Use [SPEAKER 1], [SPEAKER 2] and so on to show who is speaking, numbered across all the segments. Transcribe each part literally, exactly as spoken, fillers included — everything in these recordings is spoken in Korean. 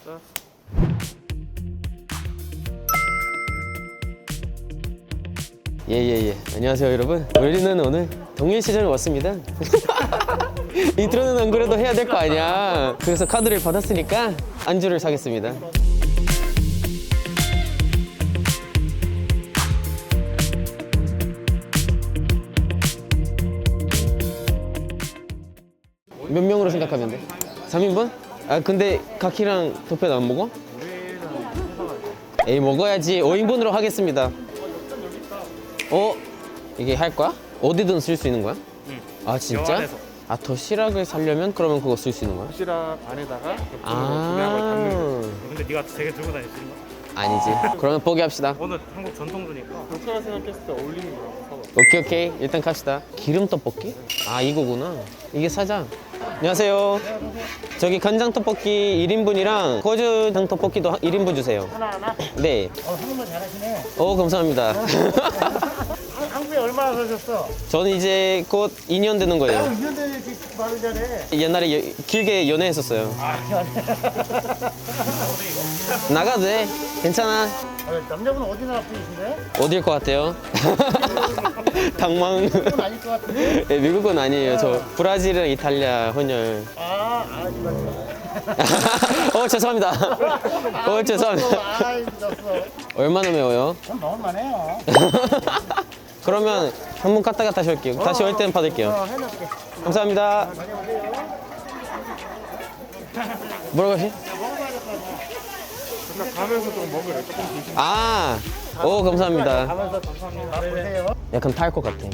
[SPEAKER 1] 알았어.
[SPEAKER 2] 예예예. 안녕하세요 여러분. 우리는 오늘 동일시장에 왔습니다. 인트로는 안 그래도 해야 될 거 아니야. 그래서 카드를 받았으니까 안주를 사겠습니다. 몇 명으로 생각하면 돼? 삼 인분? 아 근데 카키랑 도ペ안 먹어? 에이 먹어야지. 오 인분으로 하겠습니다. 어? 이게 할 거야? 어디든 쓸 수 있는 거야?
[SPEAKER 1] 응.
[SPEAKER 2] 아 진짜?
[SPEAKER 1] 영안에서.
[SPEAKER 2] 아 도시락을 사려면 그러면 그거 쓸 수 있는 거야?
[SPEAKER 1] 도시락 안에다가 겹쳐서
[SPEAKER 2] 아.
[SPEAKER 1] 구매한 걸 담는 거. 근데 네가 되게 들고 다닐 수 있는 거?
[SPEAKER 2] 아니지. 그러면 포기합시다.
[SPEAKER 1] 오늘 한국 전통주니까. 도시락 생각했을 때 어울리는 거라고 사봐.
[SPEAKER 2] 오케이 오케이. 일단 갑시다. 기름 떡볶이? 아 이거구나. 이게 사자. 안녕하세요. 저기 간장 떡볶이 일 인분이랑 고추장 떡볶이도 일 인분 주세요.
[SPEAKER 3] 하나 하나?
[SPEAKER 2] 네.
[SPEAKER 3] 어, 한국말 잘하시네.
[SPEAKER 2] 오 감사합니다.
[SPEAKER 3] 한- 한국에 얼마나 사셨어?
[SPEAKER 2] 저는 이제 곧 이 년 되는
[SPEAKER 3] 어,
[SPEAKER 2] 거예요.
[SPEAKER 3] 이 년 전에 이렇게 말을 잘해.
[SPEAKER 2] 옛날에 여- 길게 연애했었어요.
[SPEAKER 3] 아, 잘해.
[SPEAKER 2] 나가도 돼. 괜찮아.
[SPEAKER 3] 어, 남자분은 어디 나라 분이신데?
[SPEAKER 2] 어딜 것 같아요? 당망.
[SPEAKER 3] 그건 아닐 것 같은데?
[SPEAKER 2] 네, 미국은 아니에요. 저 브라질이랑 이탈리아 혼혈.
[SPEAKER 3] 아, 아, 이거.
[SPEAKER 2] 어 죄송합니다. 어 죄송합니다.
[SPEAKER 3] 아, 늦었어.
[SPEAKER 2] 얼마나 매워요?
[SPEAKER 3] 전 먹을만해요.
[SPEAKER 2] 그러면 한 번 갔다가 다시 올게요. 다시 올 때는 받을게요.
[SPEAKER 3] 어, 해놓을게.
[SPEAKER 2] 감사합니다.
[SPEAKER 3] 많이 오세요.
[SPEAKER 2] 뭐라고 하시?
[SPEAKER 1] 그러니까 가면서 좀 먹으래. 조금 조심.
[SPEAKER 2] 아, 오 감사합니다.
[SPEAKER 3] 가면서 감사합니다. 보세요.
[SPEAKER 2] 약간 탈 것 같아.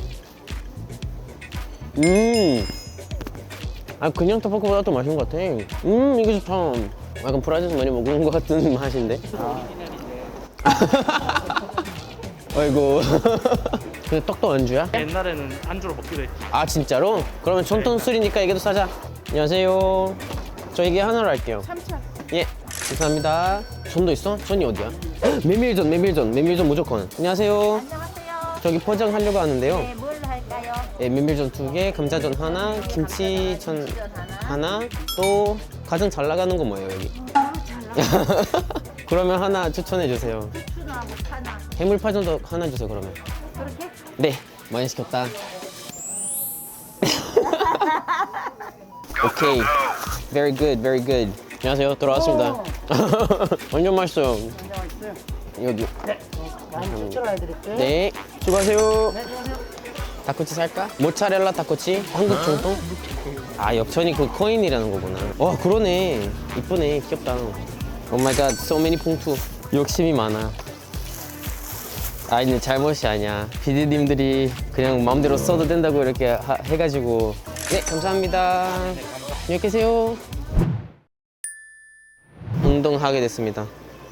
[SPEAKER 2] 음, 아 그냥 떡볶이보다 더 맛있는 것 같아. 음, 이게 좋다. 약간 브라질에서 많이 먹는 것 같은 맛인데. 아이고. 근데 떡도 안주야?
[SPEAKER 1] 옛날에는 안주로 먹기도 했지.
[SPEAKER 2] 아 진짜로? 그러면 전통 술이니까 이게 더 사자. 안녕하세요. 저 이게 하나로 할게요.
[SPEAKER 4] 삼천.
[SPEAKER 2] 예, 감사합니다. 전도 있어? 전이 어디야? 메밀전, 메밀전, 메밀전 무조건. 안녕하세요.
[SPEAKER 4] 안녕하세요.
[SPEAKER 2] 저기 포장하려고 하는데요.
[SPEAKER 4] 네, 뭘 할까요?
[SPEAKER 2] 예, 메밀전 두 개, 감자전 하나, 김치전 하나, 또 가장 잘 나가는 거 뭐예요 여기?
[SPEAKER 4] 아, 잘 나가.
[SPEAKER 2] 그러면 하나 추천해 주세요.
[SPEAKER 4] 추나 못하나.
[SPEAKER 2] 해물파전도 하나 주세요 그러면.
[SPEAKER 4] 그렇게?
[SPEAKER 2] 네, 많이 시켰다. 오케이, very good, very good. 안녕하세요, 돌아왔습니다. 완전 맛있어요.
[SPEAKER 3] 안녕하세요.
[SPEAKER 2] 여기.
[SPEAKER 3] 네. 많이 추천해드릴게요.
[SPEAKER 2] 네, 수고하세요.
[SPEAKER 3] 네, 수고하세요.
[SPEAKER 2] 닭꼬치 살까? 모짜렐라 닭꼬치? 한국 정통? 아, 역천이 그 코인이라는 거구나. 와, 그러네. 이쁘네, 귀엽다. 오 마이 갓, so many 봉투. 욕심이 많아. 아, 이제 잘못이 아니야. 피디님들이 그냥 마음대로 써도 된다고 이렇게 하- 해가지고. 네, 감사합니다. 안녕히 계세요. 운동하게 됐습니다.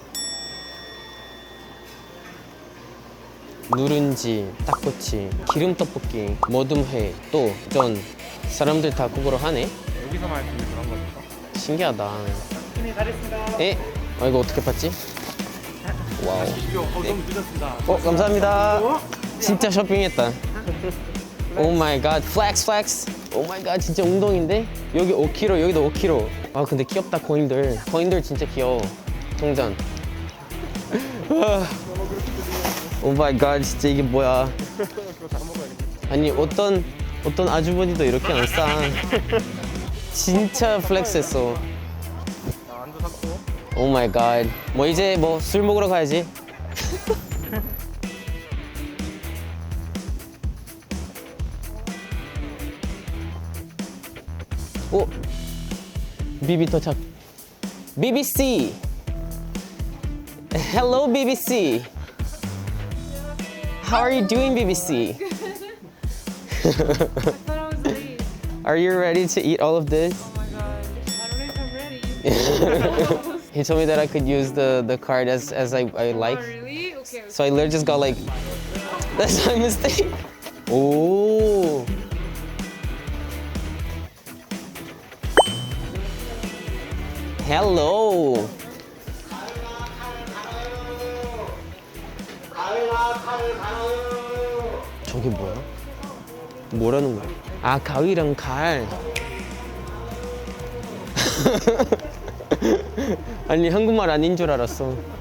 [SPEAKER 2] 누룽지, 닭꼬치, 기름떡볶이, 모둠회, 또 전. 사람들 다 그거로 하네?
[SPEAKER 1] 여기서만 할 수 있는 그런 거니까.
[SPEAKER 2] 신기하다.
[SPEAKER 1] 힘이 다랬습니다.
[SPEAKER 2] 에? 아, 이거 어떻게 봤지? 와우.
[SPEAKER 1] 이거 어, 너무 늦었습니다.
[SPEAKER 2] 어, 감사합니다. 진짜 쇼핑했다. 오 마이 갓, 플렉스 플렉스. 오 마이 갓, 진짜 운동인데? 여기 오 킬로그램, 여기도 오 킬로그램. 아, 근데 귀엽다, 코인들. 코인들 진짜 귀여워. 동전. 오 마이 갓, 진짜 이게 뭐야. 아니, 어떤, 어떤 아주머니도 이렇게 안 싸. 진짜 플렉스했어.
[SPEAKER 1] 자, 안주 샀고.
[SPEAKER 2] 오 마이 갓. 뭐 이제 뭐 술 먹으러 가야지. 오, 비비 도착. 비비씨. Hello, 비비씨. How are you doing, 비비씨? Are you ready to eat all of this?
[SPEAKER 4] Oh my god. I don't know if I'm ready.
[SPEAKER 2] He told me that I could use the, the card as, as I, I like.
[SPEAKER 4] Oh, really? Okay.
[SPEAKER 2] So I literally just got like, that's my mistake. Oh. Hello. 저게 뭐야? 뭐라는 거야? 아, 가위랑 칼. 아니 한국말 아닌 줄 알았어.